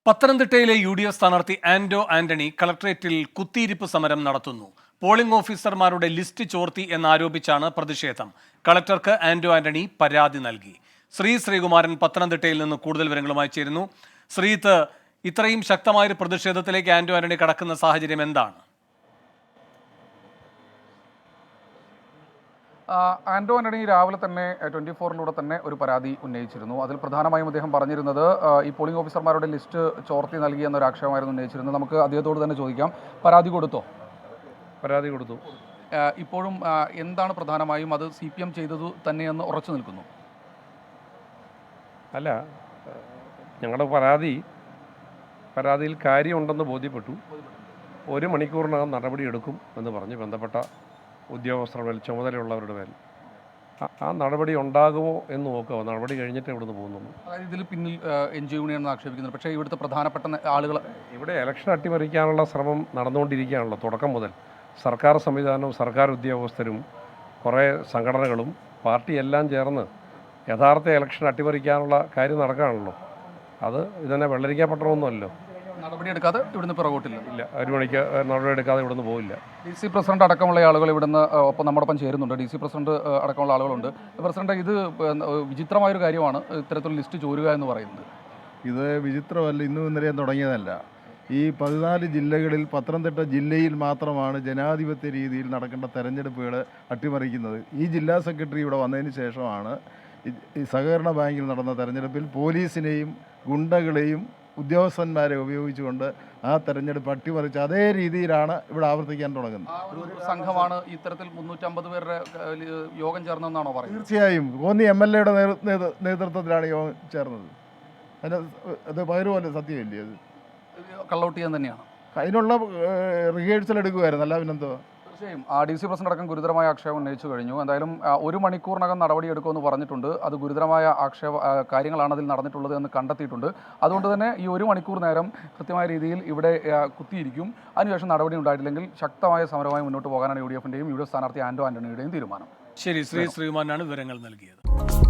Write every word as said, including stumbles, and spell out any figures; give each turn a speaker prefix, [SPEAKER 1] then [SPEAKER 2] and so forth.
[SPEAKER 1] പത്തനംതിട്ടയിലെ U D F സ്ഥാനാർത്ഥി ആന്റോ ആന്റണി കളക്ടറേറ്റിൽ കുത്തിയിരിപ്പ് സമരം നടത്തുന്നു. പോളിംഗ് ഓഫീസർമാരുടെ ലിസ്റ്റ് ചോർത്തി എന്നാരോപിച്ചാണ് പ്രതിഷേധം. കളക്ടർക്ക് ആന്റോ ആന്റണി പരാതി നൽകി. ശ്രീ ശ്രീകുമാരൻ പത്തനംതിട്ടയിൽ നിന്ന് കൂടുതൽ വിവരങ്ങളുമായി ചേരുന്നു. ശ്രീത്ത്, ഇത്രയും ശക്തമായൊരു പ്രതിഷേധത്തിലേക്ക് ആന്റോ ആന്റണി കടക്കുന്ന സാഹചര്യം എന്താണ്?
[SPEAKER 2] ആന്റോ ആന്റണി രാവിലെ തന്നെ ട്വൻറ്റി ഫോറിലൂടെ തന്നെ ഒരു പരാതി ഉന്നയിച്ചിരുന്നു. അതിൽ പ്രധാനമായും അദ്ദേഹം പറഞ്ഞിരുന്നത് ഈ പോളിംഗ് ഓഫീസർമാരുടെ ലിസ്റ്റ് ചോർത്തി നൽകി എന്നൊരു ആക്ഷേപമായിരുന്നു ഉന്നയിച്ചിരുന്നത്. നമുക്ക് അദ്ദേഹത്തോട് തന്നെ ചോദിക്കാം, പരാതി കൊടുത്തോ?
[SPEAKER 3] പരാതി കൊടുത്തു.
[SPEAKER 2] ഇപ്പോഴും എന്താണ് പ്രധാനമായും അത് സി പി എം ചെയ്തതു തന്നെയെന്ന് ഉറച്ചു നിൽക്കുന്നു?
[SPEAKER 3] അല്ല, ഞങ്ങളുടെ പരാതി പരാതിയിൽ കാര്യമുണ്ടെന്ന് ബോധ്യപ്പെട്ടു. ഒരു മണിക്കൂറിനകം നടപടിയെടുക്കും എന്ന് പറഞ്ഞ് ബന്ധപ്പെട്ട ഉദ്യോഗസ്ഥരുടെ മേൽ, ചുമതലയുള്ളവരുടെ മേൽ ആ നടപടി ഉണ്ടാകുമോ എന്ന് നോക്കുക. നടപടി കഴിഞ്ഞിട്ട് ഇവിടുന്ന് പോകുന്നുള്ളൂ.
[SPEAKER 2] അതായത് ഇതിൽ പിന്നിൽ എൻ ജി യൂണിയൻ എന്ന് ആക്ഷേപിക്കുന്നത്, പക്ഷേ ഇവിടുത്തെ പ്രധാനപ്പെട്ട ആളുകൾ
[SPEAKER 3] ഇവിടെ ഇലക്ഷൻ അട്ടിമറിക്കാനുള്ള ശ്രമം നടന്നുകൊണ്ടിരിക്കുകയാണല്ലോ. തുടക്കം മുതൽ സർക്കാർ സംവിധാനവും സർക്കാർ ഉദ്യോഗസ്ഥരും കുറേ സംഘടനകളും പാർട്ടിയെല്ലാം ചേർന്ന് യഥാർത്ഥ ഇലക്ഷൻ അട്ടിമറിക്കാനുള്ള കാര്യം നടക്കുകയാണല്ലോ. അത് ഇതന്നെ വെള്ളരിക്കപ്പെട്ടൊന്നുമല്ലോ.
[SPEAKER 2] നടപടിയെടുക്കാതെ ഇവിടുന്ന് പിറകോട്ടില്ല.
[SPEAKER 3] ഇല്ല, ഒരു മണിക്ക് നടപടിയെടുക്കാതെ ഇവിടുന്ന് പോയില്ല.
[SPEAKER 2] ഡി സി പ്രസിഡന്റ് അടക്കമുള്ള ആളുകൾ ഇവിടുന്ന് ഒപ്പം നമ്മോടൊപ്പം ചേരുന്നുണ്ട്. ഡി സി പ്രസിഡന്റ് അടക്കമുള്ള ആളുകളുണ്ട്. പ്രസിഡന്റ്, ഇത് വിചിത്രമായൊരു കാര്യമാണ് ഇത്തരത്തിലുള്ള ലിസ്റ്റ് ചോരുക എന്ന് പറയുന്നത്.
[SPEAKER 4] ഇത് വിചിത്രമല്ല, ഇന്നും ഇന്നലെയും തുടങ്ങിയതല്ല. ഈ പതിനാല് ജില്ലകളിൽ പത്തനംതിട്ട ജില്ലയിൽ മാത്രമാണ് ജനാധിപത്യ രീതിയിൽ നടക്കേണ്ട തെരഞ്ഞെടുപ്പുകൾ അട്ടിമറിക്കുന്നത്. ഈ ജില്ലാ സെക്രട്ടറി ഇവിടെ വന്നതിന് ശേഷമാണ് ഈ സഹകരണ ബാങ്കിൽ നടന്ന തെരഞ്ഞെടുപ്പിൽ പോലീസിനെയും ഗുണ്ടകളെയും ഉദ്യോഗസ്ഥന്മാരെ ഉപയോഗിച്ചുകൊണ്ട് ആ തെരഞ്ഞെടുപ്പ് അട്ടിമറിച്ച് അതേ രീതിയിലാണ് ഇവിടെ ആവർത്തിക്കാൻ തുടങ്ങുന്നത്.
[SPEAKER 2] ഒരു സംഘമാണ് ഇത്തരത്തിൽ മുന്നൂറ്റമ്പത് പേരുടെ യോഗം ചേർന്നതെന്നാണോ പറയുന്നത്?
[SPEAKER 4] തീർച്ചയായും കോന്നി എം എൽ എയുടെ നേതൃത്വത്തിലാണ് യോഗം ചേർന്നത്. അതിന് അത് പകരുമല്ലോ, സത്യമല്ലേ? അത്
[SPEAKER 2] കള്ളൗട്ടിയാൻ തന്നെയാണ്.
[SPEAKER 4] അതിനുള്ള റിഹേഴ്സൽ എടുക്കുമായിരുന്നു, അല്ല പിന്നെന്തോ.
[SPEAKER 2] തീർച്ചയായും ആ ഡി സി പ്രസിഡന്റ് അടക്കം ഗുരുതരമായ ആക്ഷേപം ഉന്നയിച്ചു കഴിഞ്ഞു. എന്തായാലും ഒരു മണിക്കൂറിനകം നടപടിയെടുക്കുമെന്ന് പറഞ്ഞിട്ടുണ്ട്. അത് ഗുരുതരമായ ആക്ഷേപ കാര്യങ്ങളാണ് അതിൽ നടന്നിട്ടുള്ളത് എന്ന് കണ്ടെത്തിയിട്ടുണ്ട്. അതുകൊണ്ട് തന്നെ ഈ ഒരു മണിക്കൂർ നേരം കൃത്യമായ രീതിയിൽ ഇവിടെ കുത്തിയിരിക്കും. അതിനുശേഷം നടപടി ഉണ്ടായിട്ടില്ലെങ്കിൽ ശക്തമായ സമരമായി മുന്നോട്ട് പോകാനാണ് യു ഡി എഫിൻ്റെയും യു ഡി എഫ് സ്ഥാനാർത്ഥി ആന്റോ ആന്റണിയുടെയും തീരുമാനം.
[SPEAKER 1] ശരി, ശ്രീ ശ്രീകുമാരനാണ് വിവരങ്ങൾ നൽകിയത്.